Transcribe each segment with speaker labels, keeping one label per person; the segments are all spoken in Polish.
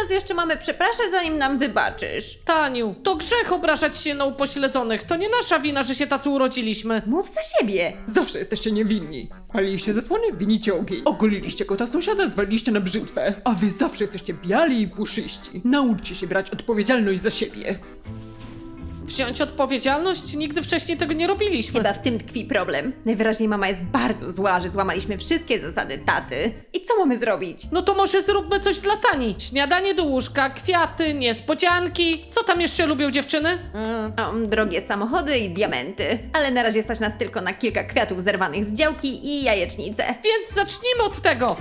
Speaker 1: razu jeszcze mamy przepraszać, zanim nam wybaczysz.
Speaker 2: Taniu, to grzech obrażać się na upośledzonych. To nie nasza wina, że się tacy urodziliśmy.
Speaker 1: Mów za siebie.
Speaker 3: Zawsze jesteście niewinni. Spaliliście zasłony, winicie ogień. Ogoliliście kota sąsiada, zwaliliście na brzytwę. A wy zawsze jesteście biali i puszyści. Nauczcie się brać odpowiedzialność za siebie.
Speaker 2: Wziąć odpowiedzialność? Nigdy wcześniej tego nie robiliśmy.
Speaker 1: Chyba w tym tkwi problem. Najwyraźniej mama jest bardzo zła, że złamaliśmy wszystkie zasady taty. I co mamy zrobić?
Speaker 2: No to może zróbmy coś dla Tani. Śniadanie do łóżka, kwiaty, niespodzianki. Co tam jeszcze lubią dziewczyny?
Speaker 1: Drogie samochody i diamenty. Ale na razie stać nas tylko na kilka kwiatów zerwanych z działki i jajecznicę.
Speaker 2: Więc zacznijmy od tego.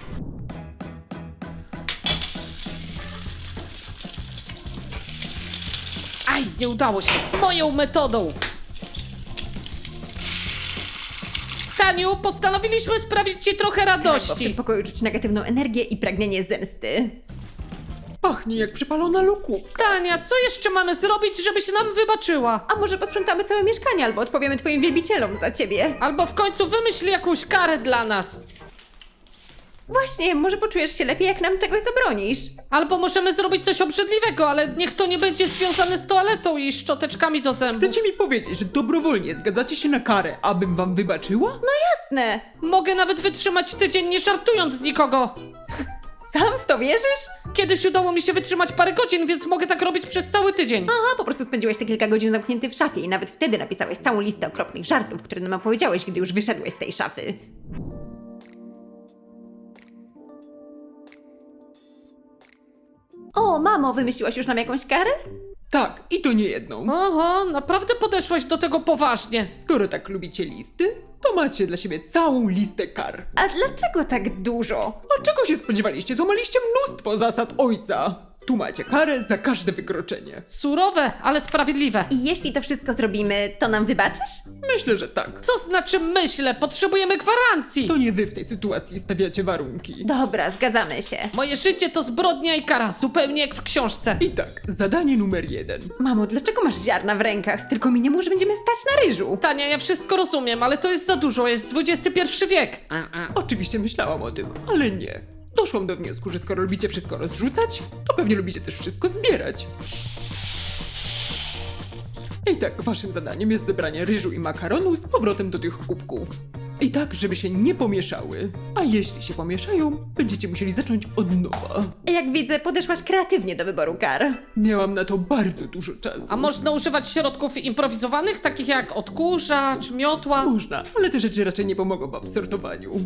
Speaker 2: Aj, nie udało się. Moją metodą. Taniu, postanowiliśmy sprawić ci trochę
Speaker 1: Bo w
Speaker 2: radości.
Speaker 1: tym pokoju czuć negatywną energię i pragnienie zemsty.
Speaker 3: Pachnie jak przypalona lukówka.
Speaker 2: Tania, co jeszcze mamy zrobić, żebyś nam wybaczyła?
Speaker 1: A może posprzątamy całe mieszkanie, albo odpowiemy twoim wielbicielom za ciebie.
Speaker 2: Albo w końcu wymyśl jakąś karę dla nas.
Speaker 1: Właśnie, może poczujesz się lepiej, jak nam czegoś zabronisz.
Speaker 2: Albo możemy zrobić coś obrzydliwego, ale niech to nie będzie związane z toaletą i szczoteczkami do zębów.
Speaker 3: Chcecie mi powiedzieć, że dobrowolnie zgadzacie się na karę, abym wam wybaczyła?
Speaker 1: Jasne.
Speaker 2: Mogę nawet wytrzymać tydzień, nie żartując z nikogo.
Speaker 1: Sam w to wierzysz?
Speaker 2: Kiedyś udało mi się wytrzymać parę godzin, więc mogę tak robić przez cały tydzień.
Speaker 1: Aha, po prostu spędziłeś te kilka godzin zamknięty w szafie i nawet wtedy napisałeś całą listę okropnych żartów, które nam opowiedziałeś, gdy już wyszedłeś z tej szafy. O, mamo, wymyśliłaś już nam jakąś karę?
Speaker 3: Tak, i to nie jedną.
Speaker 2: Oho, naprawdę podeszłaś do tego poważnie.
Speaker 3: Skoro tak lubicie listy, to macie dla siebie całą listę kar.
Speaker 1: A dlaczego tak dużo?
Speaker 3: A czego się spodziewaliście? Złamaliście mnóstwo zasad ojca. Tu macie karę za każde wykroczenie.
Speaker 2: Surowe, ale sprawiedliwe.
Speaker 1: I jeśli to wszystko zrobimy, to nam wybaczysz?
Speaker 3: Myślę, że tak.
Speaker 2: Co znaczy myślę? Potrzebujemy gwarancji.
Speaker 3: To nie wy w tej sytuacji stawiacie warunki.
Speaker 1: Dobra, zgadzamy się.
Speaker 2: Moje życie to zbrodnia i kara, zupełnie jak w książce.
Speaker 3: I tak, zadanie numer 1.
Speaker 1: Mamo, dlaczego masz ziarna w rękach? Tylko mi nie mów, że będziemy stać na ryżu.
Speaker 2: Tania, ja wszystko rozumiem, ale to jest za dużo, jest XXI wiek.
Speaker 3: Oczywiście myślałam o tym, ale nie. Doszłam do wniosku, że skoro lubicie wszystko rozrzucać, to pewnie lubicie też wszystko zbierać. I tak, waszym zadaniem jest zebranie ryżu i makaronu z powrotem do tych kubków. I tak, żeby się nie pomieszały. A jeśli się pomieszają, będziecie musieli zacząć od nowa.
Speaker 1: Jak widzę, podeszłaś kreatywnie do wyboru kar.
Speaker 3: Miałam na to bardzo dużo czasu.
Speaker 2: A można używać środków improwizowanych, takich jak odkurzacz, miotła?
Speaker 3: Można, ale te rzeczy raczej nie pomogą wam w sortowaniu.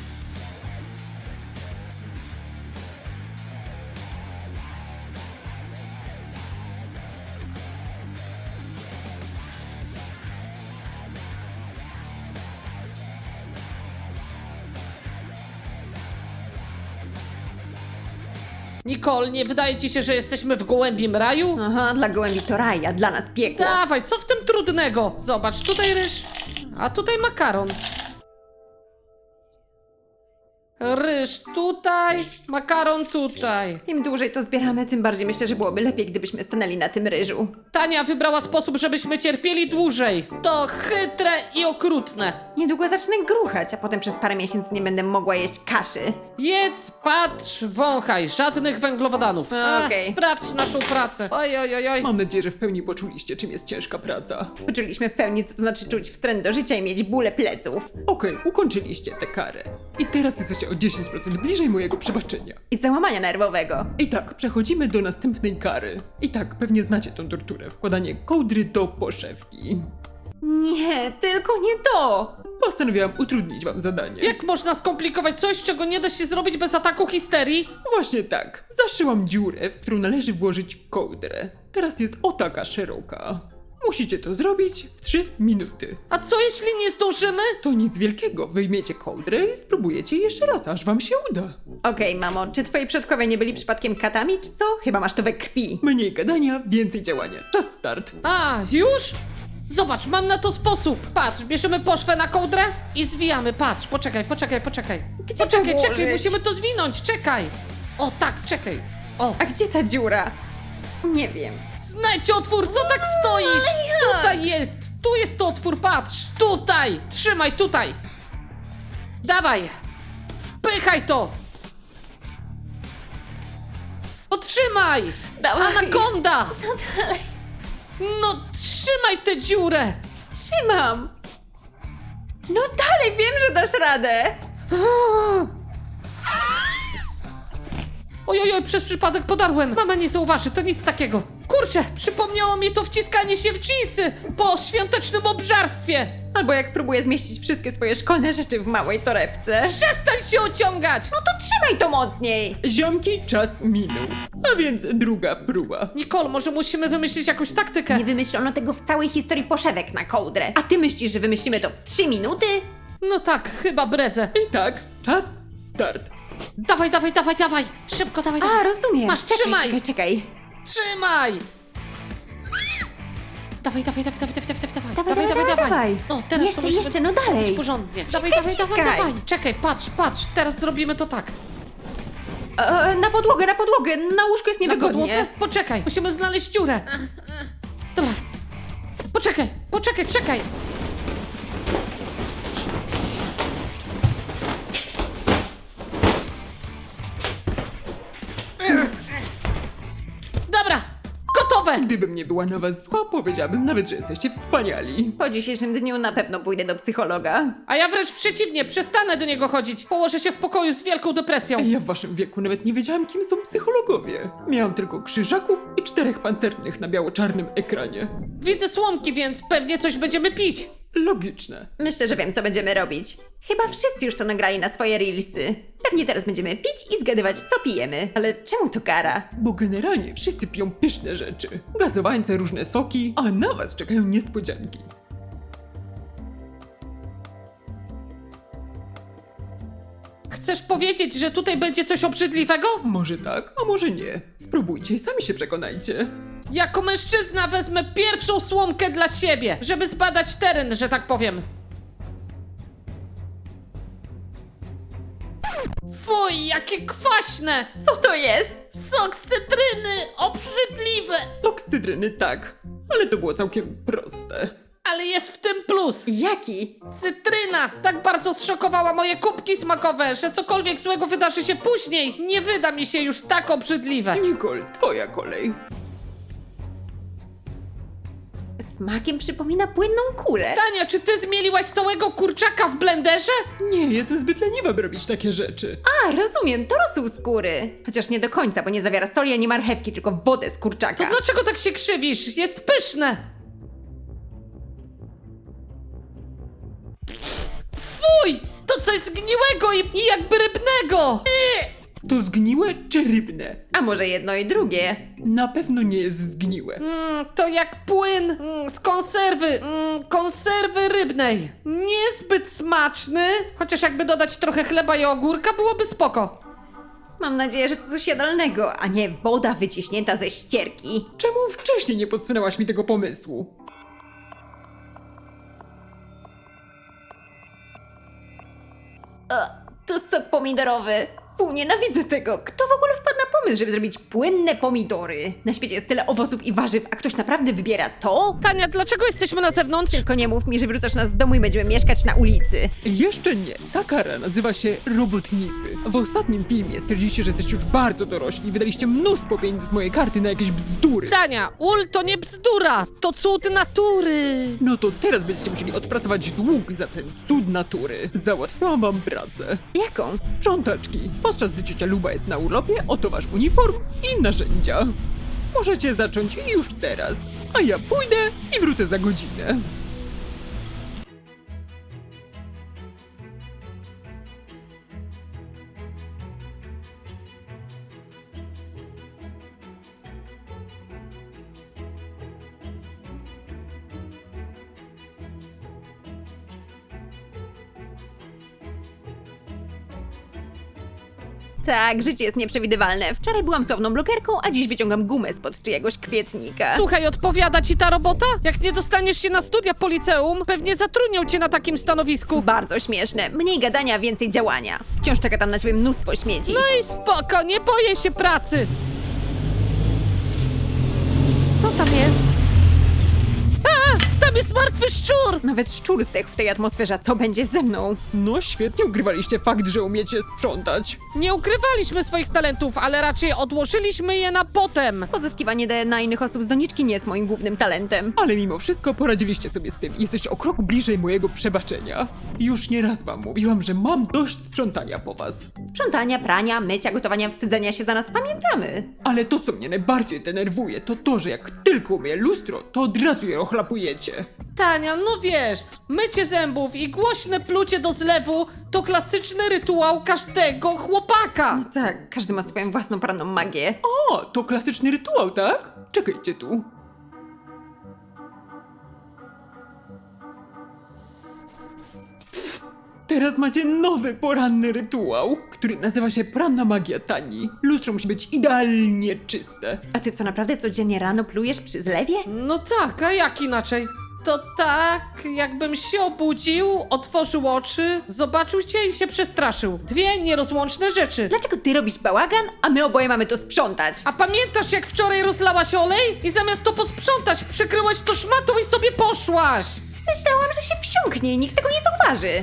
Speaker 2: Nicole, nie wydaje ci się, że jesteśmy w gołębim raju?
Speaker 1: Aha, dla gołębi to raj, a dla nas piekło.
Speaker 2: Dawaj, co w tym trudnego? Zobacz, tutaj ryż, a tutaj makaron. Ryż tutaj, makaron tutaj.
Speaker 1: Im dłużej to zbieramy, tym bardziej myślę, że byłoby lepiej, gdybyśmy stanęli na tym ryżu.
Speaker 2: Tania wybrała sposób, żebyśmy cierpieli dłużej. To chytre i okrutne.
Speaker 1: Niedługo zacznę gruchać, a potem przez parę miesięcy nie będę mogła jeść kaszy.
Speaker 2: Jedz, patrz, wąchaj, żadnych węglowodanów.
Speaker 1: Okej.
Speaker 2: Sprawdź naszą pracę. Oj, oj, oj, oj.
Speaker 3: Mam nadzieję, że w pełni poczuliście, czym jest ciężka praca.
Speaker 1: Poczuliśmy w pełni, co to znaczy czuć wstręt do życia i mieć bóle pleców.
Speaker 3: Okej, ukończyliście tę karę. I teraz jesteście o 10% bliżej mojego przebaczenia.
Speaker 1: I załamania nerwowego.
Speaker 3: I tak, przechodzimy do następnej kary. I tak, pewnie znacie tą torturę. Wkładanie kołdry do poszewki.
Speaker 1: Nie, tylko nie to!
Speaker 3: Postanowiłam utrudnić wam zadanie.
Speaker 2: Jak można skomplikować coś, czego nie da się zrobić bez ataku histerii?
Speaker 3: Właśnie tak. Zaszyłam dziurę, w którą należy włożyć kołdrę. Teraz jest o taka szeroka. Musicie to zrobić w 3 minuty.
Speaker 2: A co jeśli nie zdążymy?
Speaker 3: To nic wielkiego. Wyjmiecie kołdrę i spróbujecie jeszcze raz, aż wam się uda.
Speaker 1: Okej, mamo, czy twoi przodkowie nie byli przypadkiem katami, czy co? Chyba masz to we krwi.
Speaker 3: Mniej gadania, więcej działania. Czas start.
Speaker 2: A, już? Zobacz, mam na to sposób. Patrz, bierzemy poszwę na kołdrę i zwijamy. Patrz, poczekaj.
Speaker 1: Gdzie to
Speaker 2: Czekaj,
Speaker 1: włożyć?
Speaker 2: musimy to zwinąć, czekaj. O, tak, czekaj. O,
Speaker 1: A gdzie ta dziura? Nie wiem.
Speaker 2: znajdź otwór, co tak stoisz? Tutaj jest, tu jest otwór, patrz. Tutaj, trzymaj, tutaj. Dawaj, wpychaj to. Otrzymaj!
Speaker 1: Dawaj.
Speaker 2: Anakonda!
Speaker 1: No dalej.
Speaker 2: No trzymaj tę dziurę!
Speaker 1: Trzymam. No dalej, wiem, że dasz radę.
Speaker 2: Ojojoj, przez przypadek podarłem. Mama nie zauważy, to nic takiego. Kurczę, przypomniało mi to wciskanie się w dżinsy po świątecznym obżarstwie.
Speaker 1: Albo jak próbuję zmieścić wszystkie swoje szkolne rzeczy w małej torebce.
Speaker 2: Przestań się ociągać!
Speaker 1: No to trzymaj to mocniej.
Speaker 3: Ziomki, czas minął. A więc druga próba.
Speaker 2: Nicole, może musimy wymyślić jakąś taktykę?
Speaker 1: Nie wymyślono tego w całej historii poszewek na kołdrę. A ty myślisz, że wymyślimy to w 3 minuty?
Speaker 2: No tak, chyba bredzę.
Speaker 3: I tak, czas, start.
Speaker 2: Dawaj, dawaj, dawaj, dawaj! Szybko, dawaj,
Speaker 1: A,
Speaker 2: dawaj!
Speaker 1: rozumiem.
Speaker 2: Masz,
Speaker 1: czekaj,
Speaker 2: trzymaj.
Speaker 1: czekaj.
Speaker 2: Trzymaj! Dawaj, dawaj, dawaj, dawaj, dawaj, dawaj,
Speaker 1: Dawaj, dawaj, dawaj.
Speaker 2: No, teraz
Speaker 1: Jeszcze,
Speaker 2: to musimy
Speaker 1: jeszcze, no
Speaker 2: zrobić
Speaker 1: dalej.
Speaker 2: porządnie.
Speaker 1: Wciskaj,
Speaker 2: Dawaj, dawaj, dawaj,
Speaker 1: wciskaj.
Speaker 2: dawaj. Czekaj, patrz, teraz zrobimy to tak.
Speaker 1: Na podłogę, na podłogę. Na łóżku jest
Speaker 2: Na
Speaker 1: niewygodnie.
Speaker 2: podłodze? Poczekaj, musimy znaleźć dziurę. Dobra. Poczekaj, czekaj. Dobra, gotowe!
Speaker 3: Gdybym nie była na was zła, powiedziałabym nawet, że jesteście wspaniali.
Speaker 1: Po dzisiejszym dniu na pewno pójdę do psychologa.
Speaker 2: A ja wręcz przeciwnie, przestanę do niego chodzić. Położę się w pokoju z wielką depresją.
Speaker 3: Ja w waszym wieku nawet nie wiedziałam, kim są psychologowie. Miałam tylko krzyżaków i 4 pancernych na biało-czarnym ekranie.
Speaker 2: Widzę słomki, więc pewnie coś będziemy pić.
Speaker 3: Logiczne.
Speaker 1: Myślę, że wiem, co będziemy robić. Chyba wszyscy już to nagrali na swoje reelsy. Pewnie teraz będziemy pić i zgadywać, co pijemy. Ale czemu to kara?
Speaker 3: Bo generalnie wszyscy piją pyszne rzeczy. Gazowańce, różne soki, a na was czekają niespodzianki.
Speaker 2: Chcesz powiedzieć, że tutaj będzie coś obrzydliwego?
Speaker 3: Może tak, a może nie. Spróbujcie i sami się przekonajcie.
Speaker 2: Jako mężczyzna wezmę pierwszą słomkę dla siebie, żeby zbadać teren, że tak powiem. Fuj, jakie kwaśne!
Speaker 1: Co to jest?
Speaker 2: Sok z cytryny! Obrzydliwe!
Speaker 3: Sok z cytryny tak, ale to było całkiem proste.
Speaker 2: Ale jest w tym plus!
Speaker 1: Jaki?
Speaker 2: Cytryna tak bardzo zszokowała moje kubki smakowe, że cokolwiek złego wydarzy się później, nie wyda mi się już tak obrzydliwe.
Speaker 3: Nicole, twoja kolej.
Speaker 1: Smakiem przypomina płynną kulę.
Speaker 2: Tania, czy ty zmieliłaś całego kurczaka w blenderze?
Speaker 3: Nie, jestem zbyt leniwa, by robić takie rzeczy.
Speaker 1: A, rozumiem, to rosół skóry. Chociaż nie do końca, bo nie zawiera soli ani marchewki, tylko wodę z kurczaka.
Speaker 2: To dlaczego tak się krzywisz? Jest pyszne! Fuj! To coś zgniłego i jakby rybnego!
Speaker 3: To zgniłe czy rybne?
Speaker 1: A może jedno i drugie?
Speaker 3: Na pewno nie jest zgniłe.
Speaker 2: To jak płyn z konserwy rybnej. Niezbyt smaczny, chociaż jakby dodać trochę chleba i ogórka byłoby spoko.
Speaker 1: Mam nadzieję, że to coś jadalnego, a nie woda wyciśnięta ze ścierki.
Speaker 3: Czemu wcześniej nie podsunęłaś mi tego pomysłu?
Speaker 1: To sok pomidorowy. Fu, nienawidzę tego. Kto w ogóle wpadł na pomysł, żeby zrobić płynne pomidory? Na świecie jest tyle owoców i warzyw, a ktoś naprawdę wybiera to?
Speaker 2: Tania, dlaczego jesteśmy na zewnątrz?
Speaker 1: Tylko nie mów mi, że wyrzucasz nas z domu i będziemy mieszkać na ulicy.
Speaker 3: Jeszcze nie. Ta kara nazywa się robotnicy. W ostatnim filmie stwierdziliście, że jesteście już bardzo dorośli. Wydaliście mnóstwo pieniędzy z mojej karty na jakieś bzdury.
Speaker 2: Tania, ul to nie bzdura, to cud natury.
Speaker 3: No to teraz będziecie musieli odpracować dług za ten cud natury. Załatwiłam wam pracę.
Speaker 1: Jaką?
Speaker 3: Sprzątaczki. Podczas gdy ciocia Luba jest na urlopie, oto wasz uniform i narzędzia. Możecie zacząć już teraz, a ja pójdę i wrócę za godzinę.
Speaker 1: Tak, życie jest nieprzewidywalne. Wczoraj byłam sławną blogerką, a dziś wyciągam gumę spod czyjegoś kwietnika.
Speaker 2: Słuchaj, odpowiada ci ta robota? Jak nie dostaniesz się na studia po liceum, pewnie zatrudnią cię na takim stanowisku.
Speaker 1: Bardzo śmieszne. Mniej gadania, więcej działania. Wciąż czeka tam na ciebie mnóstwo śmieci.
Speaker 2: No i spoko, nie boję się pracy. Co tam jest? A, tam jest jest martwy szczur!
Speaker 1: Nawet szczur zdechł w tej atmosferze, a co będzie ze mną?
Speaker 3: No świetnie ugrywaliście fakt, że umiecie sprzątać.
Speaker 2: Nie ukrywaliśmy swoich talentów, ale raczej odłożyliśmy je na potem.
Speaker 1: Pozyskiwanie DNA innych osób z doniczki nie jest moim głównym talentem.
Speaker 3: Ale mimo wszystko poradziliście sobie z tym i jesteście o krok bliżej mojego przebaczenia. Już nieraz wam mówiłam, że mam dość sprzątania po was.
Speaker 1: Sprzątania, prania, mycia, gotowania, wstydzenia się za nas pamiętamy.
Speaker 3: Ale to, co mnie najbardziej denerwuje, to to, że jak tylko umyję lustro, to od razu je ochlapujecie.
Speaker 2: Tania, no wiesz, mycie zębów i głośne plucie do zlewu to klasyczny rytuał każdego chłopaka.
Speaker 1: Tak, każdy ma swoją własną poranną magię.
Speaker 3: O, to klasyczny rytuał, tak? Czekajcie tu. Teraz macie nowy poranny rytuał, który nazywa się Poranna Magia Tani. Lustro musi być idealnie czyste.
Speaker 1: A ty co, naprawdę codziennie rano plujesz przy zlewie?
Speaker 2: No tak, a jak inaczej? To tak, jakbym się obudził, otworzył oczy, zobaczył cię i się przestraszył. Dwie nierozłączne rzeczy.
Speaker 1: Dlaczego ty robisz bałagan, a my oboje mamy to sprzątać?
Speaker 2: A pamiętasz, jak wczoraj rozlałaś olej i zamiast to posprzątać, przykryłaś to szmatą i sobie poszłaś?
Speaker 1: Myślałam, że się wsiąknie i nikt tego nie zauważy.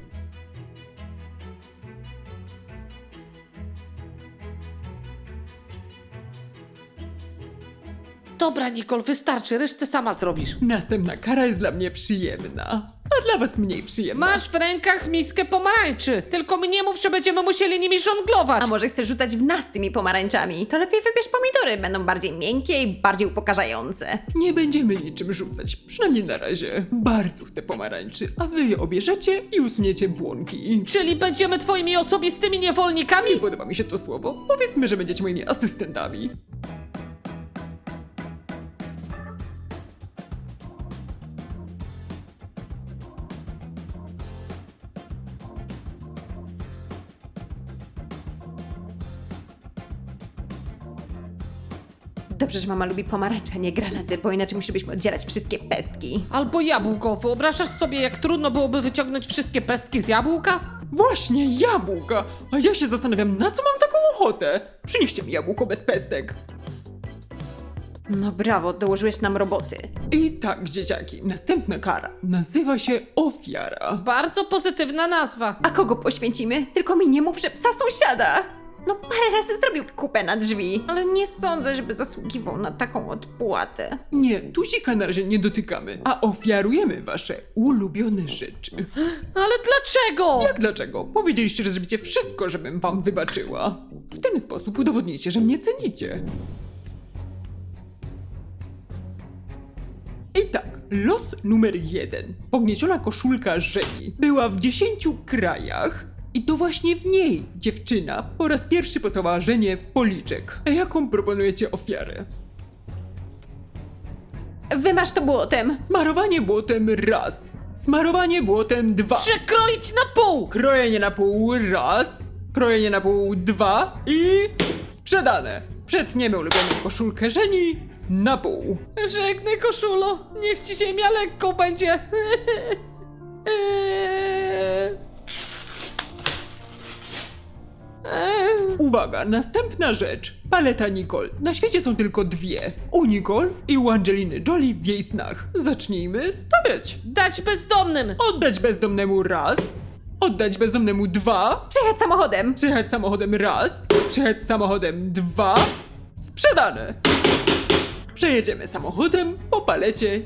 Speaker 2: Dobra, Nicole, wystarczy, resztę sama zrobisz.
Speaker 3: Następna kara jest dla mnie przyjemna, a dla was mniej przyjemna.
Speaker 2: Masz w rękach miskę pomarańczy, tylko mi nie mów, że będziemy musieli nimi żonglować.
Speaker 1: A może chcesz rzucać w nas tymi pomarańczami? To lepiej wybierz pomidory, będą bardziej miękkie i bardziej upokarzające.
Speaker 3: Nie będziemy niczym rzucać, przynajmniej na razie. Bardzo chcę pomarańczy, a wy je obierzecie i usuniecie błonki.
Speaker 2: Czyli będziemy twoimi osobistymi niewolnikami?
Speaker 3: Nie podoba mi się to słowo. Powiedzmy, że będziecie moimi asystentami.
Speaker 1: Dobrze, że mama lubi pomarańcze, a nie granaty, bo inaczej musielibyśmy oddzielać wszystkie pestki.
Speaker 2: Albo jabłko. Wyobrażasz sobie, jak trudno byłoby wyciągnąć wszystkie pestki z jabłka?
Speaker 3: Właśnie, jabłka! A ja się zastanawiam, na co mam taką ochotę? Przynieście mi jabłko bez pestek.
Speaker 1: No brawo, dołożyłeś nam roboty.
Speaker 3: I tak, dzieciaki, następna kara nazywa się ofiara.
Speaker 2: Bardzo pozytywna nazwa.
Speaker 1: A kogo poświęcimy? Tylko mi nie mów, że psa sąsiada. No parę razy zrobił kupę na drzwi, ale nie sądzę, żeby zasługiwał na taką odpłatę.
Speaker 3: Nie, tuzika na razie nie dotykamy, a ofiarujemy wasze ulubione rzeczy.
Speaker 2: Ale dlaczego?
Speaker 3: Jak dlaczego? Powiedzieliście, że zrobicie wszystko, żebym wam wybaczyła. W ten sposób udowodnicie, że mnie cenicie. I tak, los numer 1. Pognieciona koszulka Żeni była w 10 krajach. I to właśnie w niej dziewczyna po raz pierwszy pocałowała Żenię w policzek. A jaką proponujecie ofiarę?
Speaker 1: Wymasz to błotem.
Speaker 3: Smarowanie błotem raz. Smarowanie błotem 2.
Speaker 2: Przekroić na pół!
Speaker 3: Krojenie na pół raz. Krojenie na pół 2. I sprzedane. Przetniemy ulubioną koszulkę Żeni na pół.
Speaker 2: Żegnaj, koszulo. Niech ci ziemia lekko będzie.
Speaker 3: Uwaga, następna rzecz. Paleta Nicole. Na świecie są tylko dwie. U Nicole i u Angeliny Jolie w jej snach. Zacznijmy stawiać.
Speaker 2: Dać bezdomnym.
Speaker 3: Oddać bezdomnemu raz. Oddać bezdomnemu 2.
Speaker 1: Przyjechać samochodem.
Speaker 3: Przyjechać samochodem raz. Przyjechać samochodem 2. Sprzedane. Przejedziemy samochodem po palecie.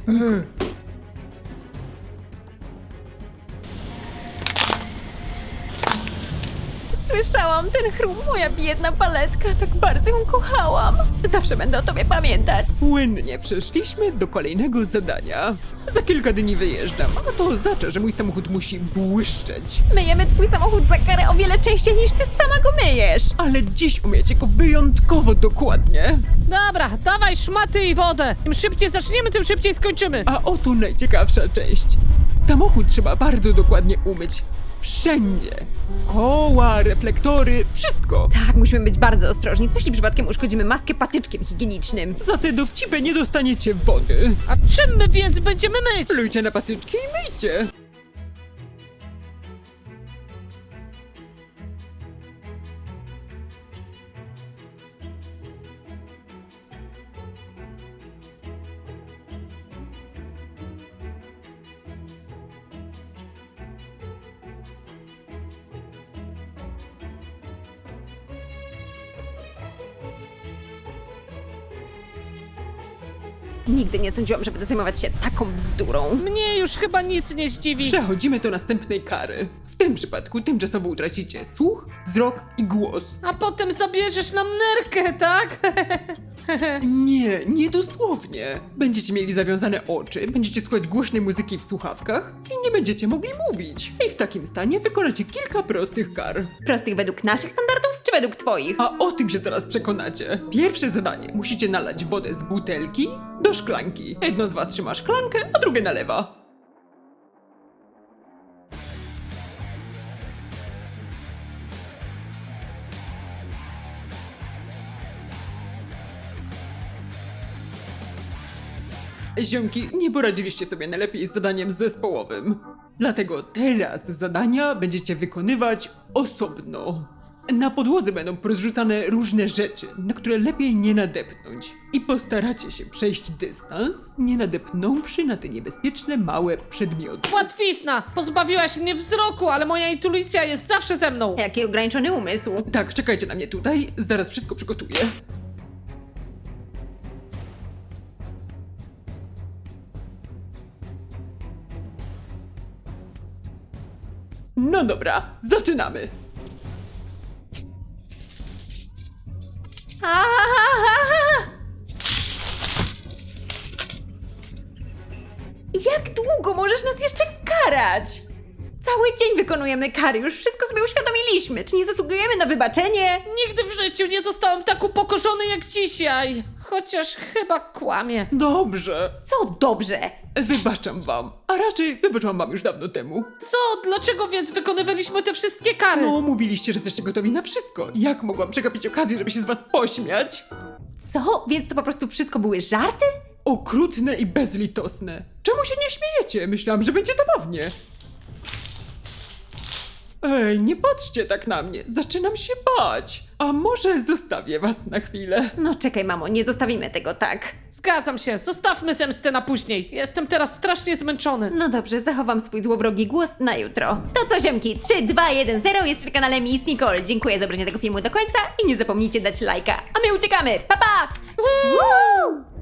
Speaker 1: Słyszałam ten chrum, moja biedna paletka, tak bardzo ją kochałam. Zawsze będę o tobie pamiętać.
Speaker 3: Płynnie przeszliśmy do kolejnego zadania. Za kilka dni wyjeżdżam, a to oznacza, że mój samochód musi błyszczeć.
Speaker 1: Myjemy twój samochód za karę o wiele częściej niż ty sama go myjesz.
Speaker 3: Ale dziś umiecie go wyjątkowo dokładnie.
Speaker 2: Dobra, dawaj szmaty i wodę. Im szybciej zaczniemy, tym szybciej skończymy.
Speaker 3: A oto najciekawsza część. Samochód trzeba bardzo dokładnie umyć. Wszędzie. Koła, reflektory, wszystko.
Speaker 1: Tak, musimy być bardzo ostrożni. Coś przypadkiem uszkodzimy maskę patyczkiem higienicznym.
Speaker 3: Za te dowcipy nie dostaniecie wody.
Speaker 2: A czym my więc będziemy myć?
Speaker 3: Plujcie na patyczki i myjcie.
Speaker 1: Nigdy nie sądziłam, że będę zajmować się taką bzdurą.
Speaker 2: Mnie już chyba nic nie zdziwi.
Speaker 3: Przechodzimy do następnej kary. W tym przypadku tymczasowo utracicie słuch, wzrok i głos.
Speaker 2: A potem zabierzesz nam nerkę, tak?
Speaker 3: Nie dosłownie. Będziecie mieli zawiązane oczy, będziecie słuchać głośnej muzyki w słuchawkach i nie będziecie mogli mówić. I w takim stanie wykonacie kilka prostych kar.
Speaker 1: Prostych według naszych standardów, czy według twoich?
Speaker 3: A o tym się zaraz przekonacie. Pierwsze zadanie. Musicie nalać wodę z butelki do szklanki. Jedno z was trzyma szklankę, a drugie nalewa. Ziomki, nie poradziliście sobie najlepiej z zadaniem zespołowym. Dlatego teraz zadania będziecie wykonywać osobno. Na podłodze będą porozrzucane różne rzeczy, na które lepiej nie nadepnąć. I postaracie się przejść dystans, nie nadepnąwszy na te niebezpieczne małe przedmioty.
Speaker 2: Łatwizna! Pozbawiłaś mnie wzroku, ale moja intuicja jest zawsze ze mną.
Speaker 1: Jaki ograniczony umysł.
Speaker 3: Tak, czekajcie na mnie tutaj, zaraz wszystko przygotuję. No dobra, zaczynamy.
Speaker 1: Jak długo możesz nas jeszcze karać? Cały dzień wykonujemy kary, już wszystko sobie uświadomiliśmy. Czy nie zasługujemy na wybaczenie?
Speaker 2: Nigdy w życiu nie zostałem tak upokorzony jak dzisiaj. Chociaż chyba kłamie.
Speaker 3: Dobrze,
Speaker 1: Co dobrze?
Speaker 3: wybaczam wam, a raczej wybaczyłam wam już dawno temu.
Speaker 2: Co? Dlaczego więc wykonywaliśmy te wszystkie kary?
Speaker 3: No, mówiliście, że jesteście gotowi na wszystko. Jak mogłam przegapić okazję, żeby się z was pośmiać?
Speaker 1: Co? Więc to po prostu wszystko były żarty?
Speaker 3: Okrutne i bezlitosne. Czemu się nie śmiejecie? Myślałam, że będzie zabawnie. Ej, nie patrzcie tak na mnie. Zaczynam się bać. A może zostawię was na chwilę?
Speaker 1: No czekaj, mamo, nie zostawimy tego tak.
Speaker 2: Zgadzam się, zostawmy zemstę na później. Jestem teraz strasznie zmęczony.
Speaker 1: No dobrze, zachowam swój złowrogi głos na jutro. To co, ziomki? 3, 2, 1, 0 jest na kanale Miss Nicole. Dziękuję za obejrzenie tego filmu do końca i nie zapomnijcie dać lajka. A my uciekamy! Pa, pa! Woo!